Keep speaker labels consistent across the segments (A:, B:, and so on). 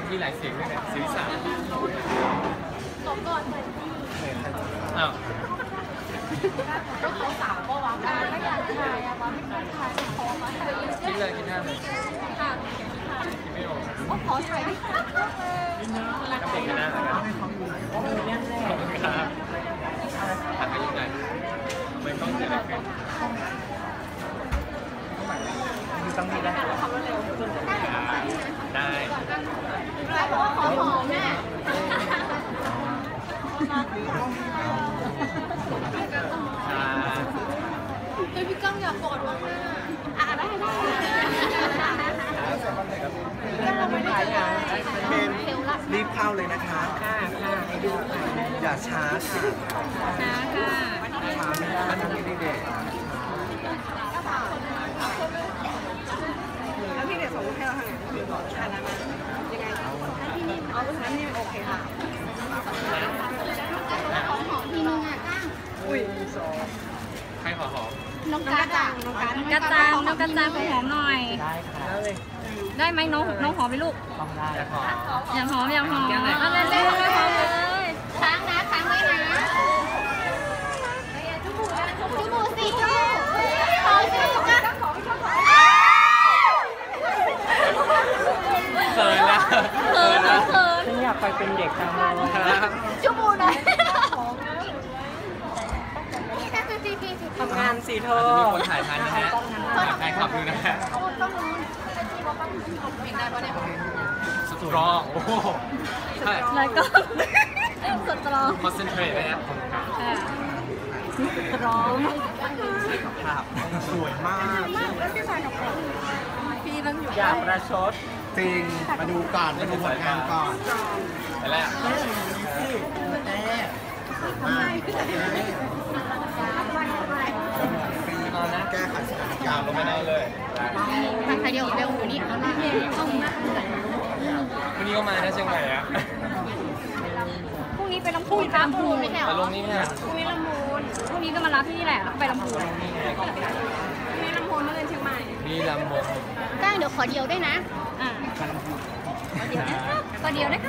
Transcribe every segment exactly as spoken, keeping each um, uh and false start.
A: มีหลายเสียงด้วยเนี่ยเสียงสาม
B: ตบก่อน
A: อ้าว
B: ก็เขาสาวก็วางได้ไม่อยากถ่ายอะวางไม่อยากถ่ายขอมาถ่าย
A: คิดเลยคิดหน้าเลย
B: ค่ะ
A: คิดไม่ออก
B: ก็ขอถ่าย
A: ก็เด็กกันหน้าแล้วกันขอบคุณครับถ่ายไปยังไงไม่ต้องเสียอะไรกันต้องมีได้ได้
B: ได้เพราะว่าขอหอมแม่เฮ้ยพี่ก้องอยากกอดมากอ่ะได้ได้ก็ไม่ได้ถ่าย
C: เป็นรีบเข้าเลยนะคะค่ะค่ะอย่าช้าค่ะ
B: ช้าค่ะ
C: ช้าไม่ได้มันไม่ได้เด็ก
D: แล้วพี่เด็กส่งให้เราทางไหนอ่านมายังไงที่นี่เอาลูกนั้นนี่โอเคค่ะ
B: ขอหอมทีนึงอ่ะก้าง
D: อุ้ย
A: ใครขอหอม
B: น้องกระจังน้องกระจังน้องกระจังน้องกระจังขอหอมหน่อย
C: ได้ค่ะ
B: ได้ไหมน้องน้องหอมไหมลูก
C: ต้องได้
A: อยากหอม
B: อยากหอมอยากหอมเอาเลยเลยเลยหอมเลยค้างนะค้างไว้นะจุบูจุบูสิจุขอสิจ้าขอไม่ชอบขอ
A: เขินแล้ว
B: เขินแล้วเขิน
C: ฉันอยากไปเป็นเด็กทางโน้นครับ
B: จุบูนะ
D: ทำงานสิเธอ
A: มีคนถ่ายทันนะฮะถ่ายขับอยู่นะฮะสตรองโอ้โหใช่
B: แล้วก็สตรอง
A: คอนเซนเทรตเลยนะ
B: สตรอง
C: ภาพสวยมาก
B: พี่ต้องอยู่
C: อยากประชดจริงมาดูก่อนมาดูผลงานก่อน
A: ไปแล้ว
C: แก้ไขสถานการณ์
A: ก็ไม่ได้เลย
B: ทางใครเดียวเร็วอยู่นี่เขาหน้าเข้าหน้า
A: วันนี้ก็มานะเชียงใหม่อะ
B: พรุ่งนี้ไปลำพูนไปลำพูนไม่ใช่หรอ
A: มาลงนี่ไหม
B: พรุ่งนี้ลำพูนพรุ่งนี้ก็มารับที่นี่แหละแล้วไปลำพูน
D: มีลำพูนเมื่อเดือนเชียงใหม่
A: มีลำพูน
B: ก้างเดี๋ยวขอเดียวด้วยนะอ่าขอเดียวนะ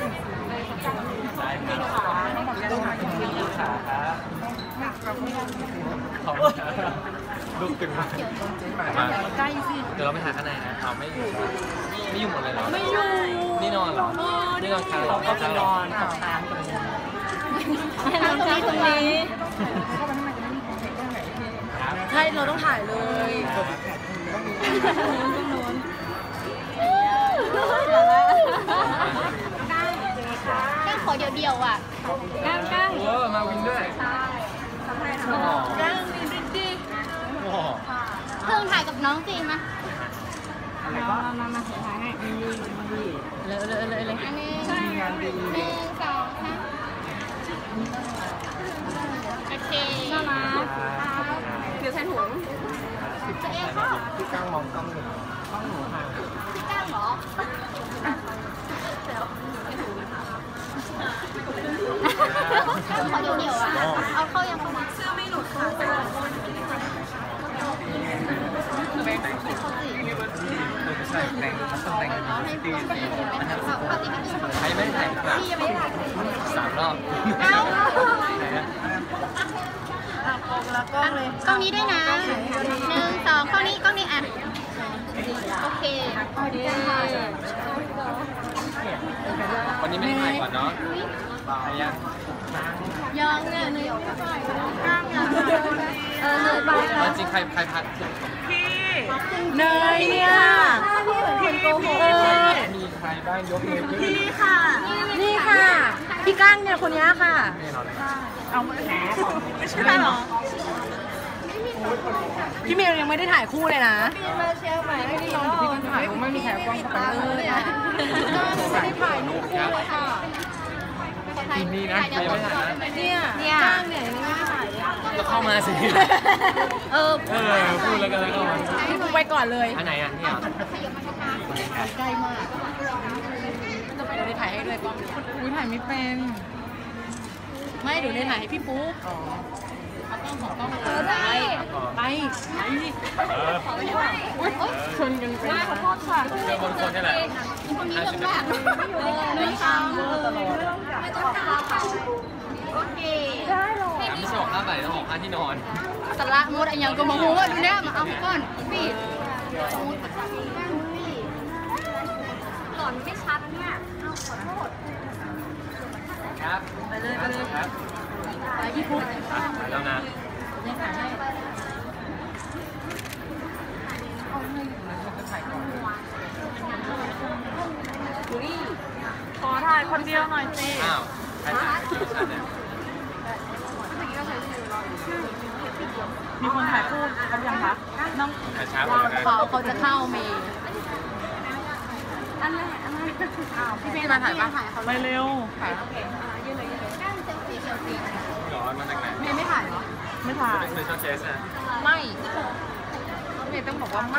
A: ขอบคุณลูกตึงมากมาใกล้สิเดี๋ยวเราไปหาข้างในนะเอาไม่อยู่ไม่อยู่หมดเลยเหรอ
B: ไม่อยู่
A: นี่นอนเหรอนี่นอนค้างเหรอ
C: ก็จะนอนค้างตรงนี้
B: ค้างตรงนี้ตรงนี้
D: ใช่เราต้องถ่ายเลย
B: ก้างขอเดียวเดียวอ่ะก้างก้าง
A: เออมาวินด้วย
B: ก้างมีดิดิเพิ่งถ่ายกับน้องจริงมั้ยมามามาถ่ายให้เลยเลยเลยเลยอันนี้หนึ่งสองสามโอเคน่ารัก
D: เดี๋ยวใส่ถุง
B: จะเองค่ะ
C: พี่ก้างมองกล้องหนึ่งกล้องหนูห่าง
B: พี่ก้างเหรอขอเดียวเดียวอ่ะเอาเข้ายังเข้ามา
D: เสื้อไม่หลุดค่ะ
C: ใช่แต่งต้องแต่งดี
A: ใครไม่ถ่ายครับสามรอบ
B: เอ้า
D: แล้วกล้องเลย
B: กล้องนี้ด้วยนะหนึ่งสองกล้องนี้กล้องนี้อ่ะโอเค
A: วันนี้ไม่ได้ถ่ายก่อนเนาะถ่ายยัง
B: ยังเนี่ยเนยก้างยังเออเนยไปแล้ว
A: จริงใครใครพัด
D: พี่เนยเนี่ย
B: พี่เหมือนคนโกหก
A: มีใครบ้างยกมือขึ้น
D: พี่ค่ะนี่ค่ะพี่ก้างเนี่ยคนนี้ค่ะเอาไม่ใช่หรอพี่เมย์ยังไม่ได้ถ่ายคู่เลยนะพี่มาเชียร์ใหม่ไม่ได้นอนพี่กันถ่ายไม่มีแถวกล้องไปเลยอ่ะไม่ได้ถ่ายรูปคู่เลยค่ะ
A: ทีนี้นะใครไม่ถ่ายนะ
D: เนี่ยเนี่ยก้างเนี่ยยังไม่ได้ถ่าย
A: ก็เข้ามาสิ
B: เออ
A: เออพูดแล้วกันแล้วก็มา
D: พี่ปูไปก่อนเลย
A: อันไหนอ่ะเนี่ย
D: ใกล้มากเดี๋ยวได้ถ่ายให้ด้วยกล้องอุ้ยถ่ายไม่เป็นไม่เดี๋ยวได้ถ่ายให้พี่ปุ๊กอ๋อต้องขอต้อง
B: เออได้
D: ไปไปอุ้ยชนกันไป
B: ขอโทษค่ะ
A: เจอคนคนนี่แหละ
B: คนนี้ลำบาก
A: ร่ต้องออกค่าที่นอน
B: สาระมดอันยังก็มาหูว่าดูเนี่ยมาเอาก่อนพี่หล่อนไม่ชัดเนี่ยเอาขอโทษ
A: ครับไปเลยไปเลยครับ
B: ไปพี่ปุ๊บ
A: แล้วนะ
D: ยังถ่ายให้
E: ขอถ่ายคนเดียวหน่อยสิ
A: อ้าวใครถ่ายชื่อฉันเนี่ย
E: มีคนถ่ายคู่กันยังคะน้อง
A: ถ่ายช้าไปเลย
D: เขาเขาจะเข้าเมย์
B: อันแรกอันแรกอ้าว
D: พี่เมย์มาถ่ายปะ
B: ถ่ายเขา
E: ไปเร็ว
D: ถ่าย
B: ยืนเลยยืนเลยแก้มเซลฟี่เซลฟี่
A: ย้อนมาจากไหน
D: เมย์ไม่ถ่ายเหรอ
E: ไม่ถ่าย
A: เป็นสเปเชียลเคสนะ
D: ไม่เมย์ต้องบอกว่าไม่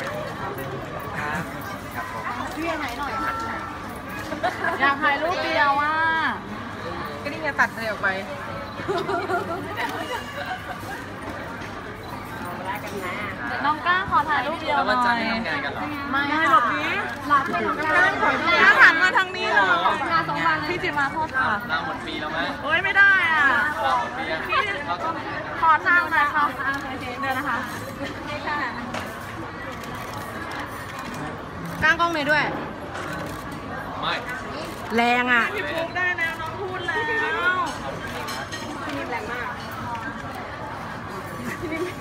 A: ครับผม
B: พี่ถ่ายหน่อย
E: อยากถ่ายรูปเดียวอ่ะ
D: ก็นี่ไงตัดเลยออกไป
E: น้องก้าขอถ่ายรูปเดียว
A: แล้ว
E: ห
A: วัน
E: น่
A: จั
E: อน
A: ทร์
E: ย
A: ไม่ทำงานกันเหรอ
D: ไม่
E: ไม่หลบนี้
B: หลับไปทำงาน
E: ก้าหันมาทางนี้เหรอ
B: งานสองวันเลย
E: พี่จิมาโทษค่ะ
A: ลาหมดปีแล้วมั้ย
E: โอ้ยไม่ได้อ่ะ
A: ลาหมดปียังเราต้อง
E: ขอทางหน่อยค่ะเดินนะคะ
D: ก้างกล้องเลยด้วย
A: ไม่
D: แรงอ่ะ
E: พี่ปุ๊กได้แล้วน้องพูดแล้ว